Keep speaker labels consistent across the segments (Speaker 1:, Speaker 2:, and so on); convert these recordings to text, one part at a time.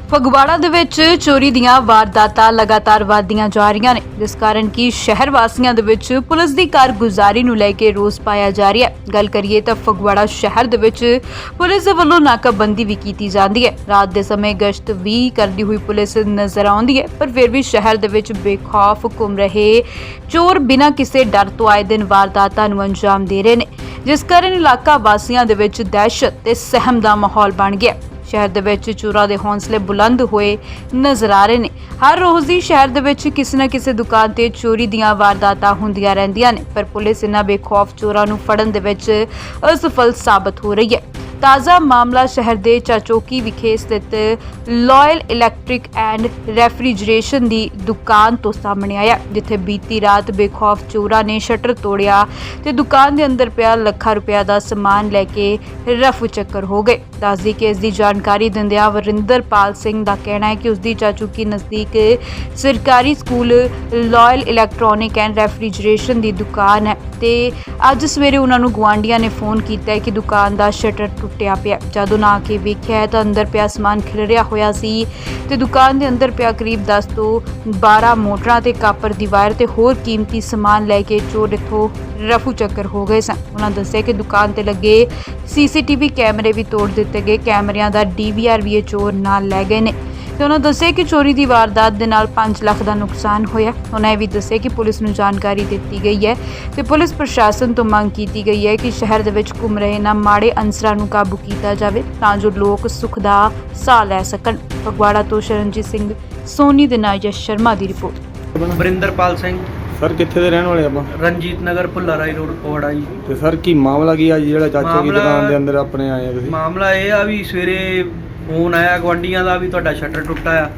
Speaker 1: ਫਗਵਾੜਾ ਦੇ ਵਿੱਚ ਚੋਰੀ ਦੀਆਂ ਵਾਰਦਾਤਾਂ ਲਗਾਤਾਰ ਵਧਦੀਆਂ ਜਾ ਰਹੀਆਂ ਨੇ, ਜਿਸ ਕਾਰਨ ਕਿ ਸ਼ਹਿਰ ਵਾਸੀਆਂ ਦੇ ਵਿੱਚ ਪੁਲਿਸ ਦੀ ਕਾਰਗੁਜ਼ਾਰੀ ਨੂੰ ਲੈ ਕੇ ਰੋਸ ਪਾਇਆ ਜਾ ਰਿਹਾ ਹੈ। ਗੱਲ ਕਰੀਏ ਤਾਂ ਫਗਵਾੜਾ ਸ਼ਹਿਰ ਦੇ ਵਿੱਚ ਪੁਲਿਸ ਦੇ ਵੱਲੋਂ ਨਾਕਾਬੰਦੀ ਵੀ ਕੀਤੀ ਜਾਂਦੀ ਹੈ। ਰਾਤ ਦੇ ਸਮੇਂ ਗਸ਼ਤ ਵੀ ਕਰਦੀ ਹੋਈ ਪੁਲਿਸ ਨਜ਼ਰ ਆਉਂਦੀ ਹੈ, ਪਰ ਫਿਰ ਵੀ ਸ਼ਹਿਰ ਦੇ ਵਿੱਚ ਬੇਖੌਫ ਘੁੰਮ ਰਹੇ ਚੋਰ ਬਿਨਾਂ ਕਿਸੇ ਡਰ ਤੋਂ ਆਏ ਦਿਨ ਵਾਰਦਾਤਾਂ ਨੂੰ ਅੰਜਾਮ ਦੇ ਰਹੇ ਨੇ, ਜਿਸ ਕਾਰਨ ਇਲਾਕਾ ਵਾਸੀਆਂ ਦੇ ਵਿੱਚ ਦਹਿਸ਼ਤ ਤੇ ਸਹਿਮ ਦਾ ਮਾਹੌਲ ਬਣ ਗਿਆ। ਸ਼ਹਿਰ ਦੇ ਵਿੱਚ ਚੋਰਾਂ ਦੇ ਹੌਸਲੇ ਬੁਲੰਦ ਹੋਏ ਨਜ਼ਰ ਆ ਰਹੇ ਨੇ। ਹਰ ਰੋਜ਼ ਹੀ ਸ਼ਹਿਰ ਦੇ ਵਿੱਚ ਕਿਸੇ ਨਾ ਕਿਸੇ ਦੁਕਾਨ ਤੇ ਚੋਰੀ ਦੀਆਂ ਵਾਰਦਾਤਾਂ ਹੁੰਦੀਆਂ ਰਹਿੰਦੀਆਂ ਨੇ, ਪਰ ਪੁਲਿਸ ਇਹਨਾਂ ਬੇਖੌਫ ਚੋਰਾਂ ਨੂੰ ਫੜਨ ਦੇ ਵਿੱਚ ਅਸਫਲ ਸਾਬਤ ਹੋ ਰਹੀ ਹੈ। ਤਾਜ਼ਾ ਮਾਮਲਾ ਸ਼ਹਿਰ ਦੇ ਚਾਚੋਕੀ ਵਿਖੇ ਸਥਿਤ ਲਾਇਲ ਇਲੈਕਟ੍ਰਿਕ ਐਂਡ ਰੈਫਰੀਜਰੇਸ਼ਨ ਦੀ ਦੁਕਾਨ ਤੋਂ ਸਾਹਮਣੇ ਆਇਆ, ਜਿੱਥੇ ਬੀਤੀ ਰਾਤ ਬੇਖੌਫ ਚੋਰਾਂ ਨੇ ਸ਼ਟਰ ਤੋੜਿਆ ਤੇ ਦੁਕਾਨ ਦੇ ਅੰਦਰ ਪਿਆ ਲੱਖਾਂ ਰੁਪਏ ਦਾ ਸਮਾਨ ਲੈ ਕੇ ਰਫੂ ਚੱਕਰ ਹੋ ਗਏ। ਦੱਸਦੀ ਕਿ ਇਸ ਦੀ ਜਾਣਕਾਰੀ ਦਿੰਦਿਆਂ ਵਰਿੰਦਰਪਾਲ ਸਿੰਘ ਦਾ ਕਹਿਣਾ ਹੈ ਕਿ ਉਸ ਦੀ ਚਾਚੋਕੀ ਨਜ਼ਦੀਕ ਸਰਕਾਰੀ school Lyall electronic and refrigeration ਦੀ ਦੁਕਾਨ ਹੈ ਤੇ ਅੱਜ ਸਵੇਰੇ ਉਹਨਾਂ ਨੂੰ ਗੁਆਂਢੀਆਂ ਨੇ ਫੋਨ ਕੀਤਾ ਹੈ ਕਿ ਦੁਕਾਨ ਦਾ ਸ਼ਟਰ ਟੁੱਟਿਆ ਪਿਆ। ਜਦੋਂ ਨਾ ਕੇ ਵੇਖਿਆ ਤਾਂ ਅੰਦਰ ਪਿਆ ਸਮਾਨ ਖਿਲਰਿਆ ਹੋਇਆ ਸੀ ਤੇ ਦੁਕਾਨ ਦੇ ਅੰਦਰ ਪਿਆ ਕਰੀਬ 10 ਤੋਂ 12 ਮੋਟਰਾਂ ਤੇ ਕਾਪਰ ਦੀ ਵਾਇਰ ਤੇ ਹੋਰ ਕੀਮਤੀ ਸਮਾਨ ਲੈ ਕੇ ਚੋਰ ਇੱਥੋਂ ਰਫੂ ਚੱਕਰ ਹੋ ਗਏ ਸਨ। ਉਹਨਾਂ ਦੱਸਿਆ ਕਿ ਦੁਕਾਨ ਤੇ ਲੱਗੇ ਸੀਸੀਟੀਵੀ ਕੈਮਰੇ ਵੀ ਤੋੜ ਦਿੱਤੇ ਗਏ, ਕੈਮਰਿਆਂ ਦਾ ਡੀਵੀਆਰ ਵੀ ਇਹ ਚੋਰ ਨਾਲ ਲੈ ਗਏ ਨੇ ਤੇ ਉਹਨਾਂ ਦੱਸਿਆ ਕਿ ਚੋਰੀ ਦੀ ਵਾਰਦਾਤ ਦੇ ਨਾਲ 5 ਲੱਖ ਦਾ ਨੁਕਸਾਨ ਹੋਇਆ। ਉਹਨਾਂ ਇਹ ਵੀ ਦੱਸਿਆ ਕਿ ਪੁਲਿਸ ਨੂੰ ਜਾਣਕਾਰੀ ਦਿੱਤੀ ਗਈ ਹੈ ਤੇ ਪੁਲਿਸ ਪ੍ਰਸ਼ਾਸਨ ਤੋਂ ਮੰਗ ਕੀਤੀ ਗਈ ਹੈ ਕਿ ਸ਼ਹਿਰ ਦੇ ਵਿੱਚ ਘੁੰਮ ਰਹੇ ਇਹਨਾਂ ਮਾੜੇ ਅਨਸਰਾਂ ਨੂੰ ਕਾਬੂ ਕੀਤਾ ਜਾਵੇ ਤਾਂ ਜੋ ਲੋਕ ਸੁੱਖ ਦਾ ਸਾਹ ਲੈ ਸਕਣ। ਫਗਵਾੜਾ ਤੋਂ ਸ਼ਰਨਜੀਤ ਸਿੰਘ ਸੋਨੀ ਦੇ ਨਾਲ ਯਸ਼ ਸ਼ਰਮਾ ਦੀ ਰਿਪੋਰਟ।
Speaker 2: ਵਰਿੰਦਰਪਾਲ ਸਿੰਘ
Speaker 3: ਸਰ ਕਿੱਥੇ ਦੇ ਰਹਿਣ ਵਾਲੇ ਆਪਾਂ?
Speaker 2: ਰਣਜੀਤ ਨਗਰ ਭੁੱਲਾਰਾਈ ਰੋਡ ਫਗਵਾੜਾ ਜੀ।
Speaker 3: ਤੇ ਸਰ ਕੀ ਮਾਮਲਾ ਕੀ ਆ ਜੀ ਜਿਹੜਾ ਚਾਚੇ ਦੀ ਦੁਕਾਨ ਦੇ ਅੰਦਰ ਆਪਣੇ ਆਏ ਆ ਤੁਸੀਂ?
Speaker 2: ਮਾਮਲਾ ਇਹ ਆ ਵੀ ਸਵੇਰੇ ਫੋਨ ਆਇਆ ਗੁਆਂਢੀਆਂ ਦਾ ਵੀ ਤੁਹਾਡਾ ਸ਼ਟਰ ਟੁੱਟਾ ਆ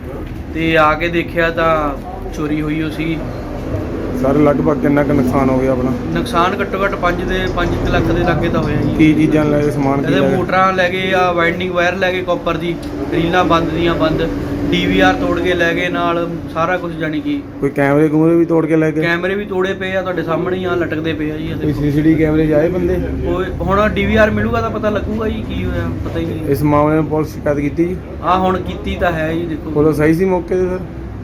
Speaker 2: ਤੇ ਆ ਕੇ ਦੇਖਿਆ ਤਾਂ ਚੋਰੀ ਹੋਈ ਹੋ ਸੀ।
Speaker 3: ਸਰ ਲਗਭਗ ਕਿੰਨਾ ਕੁ ਨੁਕਸਾਨ ਹੋ ਗਿਆ ਆਪਣਾ?
Speaker 2: ਨੁਕਸਾਨ ਘੱਟੋ ਘੱਟ 5 ਲੱਖ ਦੇ ਲਾਗੇ ਤਾਂ ਹੋਇਆ ਜੀ।
Speaker 3: ਕੀ ਚੀਜ਼ਾਂ ਲੈ ਕੇ ਸਮਾਨ ਕੀ
Speaker 2: ਇਹਦੇ
Speaker 3: ਲੈ ਗਏ?
Speaker 2: ਮੋਟਰਾਂ ਲੈ ਗਏ ਆ, ਵਾਈਂਡਿੰਗ ਵਾਇਰ ਲੈ ਗਏ, ਕਾਪਰ ਦੀ ਰੀਲਾਂ ਬੰਦ ਦੀਆਂ ਬੰਦ, ਡੀਵੀਆਰ ਤੋੜ ਕੇ ਲੈ ਗਏ ਨਾਲ ਸਾਰਾ ਕੁਝ, ਜਾਣੀ ਕਿ
Speaker 3: ਕੋਈ ਕੈਮਰੇ ਕੂਮਰੇ ਵੀ ਤੋੜ ਕੇ ਲੈ ਗਏ?
Speaker 2: ਕੈਮਰੇ ਵੀ ਤੋੜੇ ਪਏ ਆ ਤੁਹਾਡੇ ਸਾਹਮਣੇ ਹੀ ਆ, ਲਟਕਦੇ ਪਏ ਆ ਜੀ।
Speaker 3: ਕੋਈ ਸੀਸੀਟੀਵੀ ਕੈਮਰੇ 'ਚ ਆਏ ਬੰਦੇ?
Speaker 2: ਹੁਣ ਡੀਵੀਆਰ ਮਿਲੂਗਾ ਤਾਂ ਪਤਾ ਲੱਗੂਗਾ ਜੀ ਕੀ ਹੋਇਆ, ਪਤਾ ਹੀ ਨਹੀਂ।
Speaker 3: ਇਸ ਮਾਮਲੇ ਨੂੰ ਪੁਲਿਸ ਸ਼ਿਕਾਇਤ ਕੀਤੀ ਜੀ?
Speaker 2: ਆ ਹੁਣ ਕੀਤੀ ਤਾਂ ਹੈ ਜੀ। ਦੇਖੋ
Speaker 3: ਪੁਲਿਸ ਆਈ ਸੀ ਮੌਕੇ ਤੇ? ਸਰ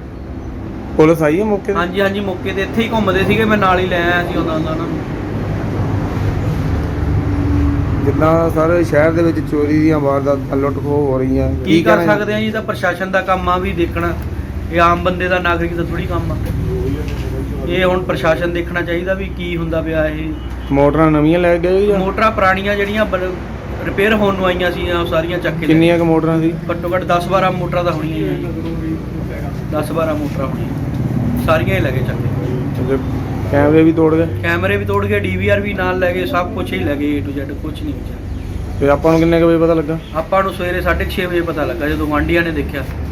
Speaker 3: ਪੁਲਿਸ ਆਈ ਹੈ ਮੌਕੇ ਤੇ?
Speaker 2: ਹਾਂਜੀ ਮੌਕੇ ਤੇ ਇੱਥੇ ਹੀ ਘੁੰਮਦੇ ਸੀਗੇ, ਮੈਂ ਨਾਲ ਹੀ ਲੈ ਆਇਆ ਸੀ ਉਹਨਾਂ ਨੂੰ।
Speaker 3: ਜਿੱਦਾਂ ਸਰ ਸ਼ਹਿਰ ਦੇ ਵਿੱਚ ਚੋਰੀ ਦੀਆਂ ਵਾਰਦਾਤਾਂ ਲੁੱਟ ਖੋਹ ਹੋ ਰਹੀਆਂ,
Speaker 2: ਕੀ ਕਰ ਸਕਦੇ ਆ ਜੀ? ਤਾਂ ਪ੍ਰਸ਼ਾਸਨ ਦਾ ਕੰਮ ਆ ਵੀ ਦੇਖਣਾ, ਇਹ ਆਮ ਬੰਦੇ ਦਾ, ਨਾਗਰਿਕ ਦਾ ਥੋੜੀ ਕੰਮ ਆ। ਇਹ ਹੁਣ ਪ੍ਰਸ਼ਾਸਨ ਦੇਖਣਾ ਚਾਹੀਦਾ ਵੀ ਕੀ ਹੁੰਦਾ ਪਿਆ। ਇਹ
Speaker 3: ਮੋਟਰਾਂ ਨਵੀਆਂ ਲੈ ਗਏ ਜਾਂ
Speaker 2: ਮੋਟਰਾਂ ਪੁਰਾਣੀਆਂ ਜਿਹੜੀਆਂ ਰਿਪੇਅਰ ਹੋਣ ਨੂੰ ਆਈਆਂ ਸੀ ਉਹ ਸਾਰੀਆਂ ਚੱਕ ਕੇ?
Speaker 3: ਕਿੰਨੀਆਂ ਕੁ ਮੋਟਰਾਂ ਸੀ?
Speaker 2: ਘੱਟੋ ਘੱਟ 10-12 ਮੋਟਰਾਂ ਤਾਂ ਹੋਣੀਆਂ ਜੀ, 10-12 ਮੋਟਰਾਂ ਹੋਣੀਆਂ, ਸਾਰੀਆਂ ਹੀ ਲੈ ਕੇ ਚੱਕ ਕੇ।
Speaker 3: ਕੈਮਰੇ ਵੀ ਤੋੜ ਗਏ?
Speaker 2: ਕੈਮਰੇ ਵੀ ਤੋੜ ਗਏ, ਡੀਵੀਆਰ ਵੀ ਨਾਲ ਲੈ ਗਏ, ਸਭ ਕੁਝ ਹੀ ਲੈ ਗਏ, A to Z ਕੁਝ ਨਹੀਂ ਬਚਿਆ।
Speaker 3: ਤੇ ਆਪਾਂ ਨੂੰ ਕਿੰਨੇ ਕੁ ਵਜੇ ਪਤਾ ਲੱਗਾ?
Speaker 2: ਆਪਾਂ ਨੂੰ ਸਵੇਰੇ 6:30 ਵਜੇ ਪਤਾ ਲੱਗਾ ਜਦੋਂ ਗੁਆਂਢੀਆਂ ਨੇ ਦੇਖਿਆ।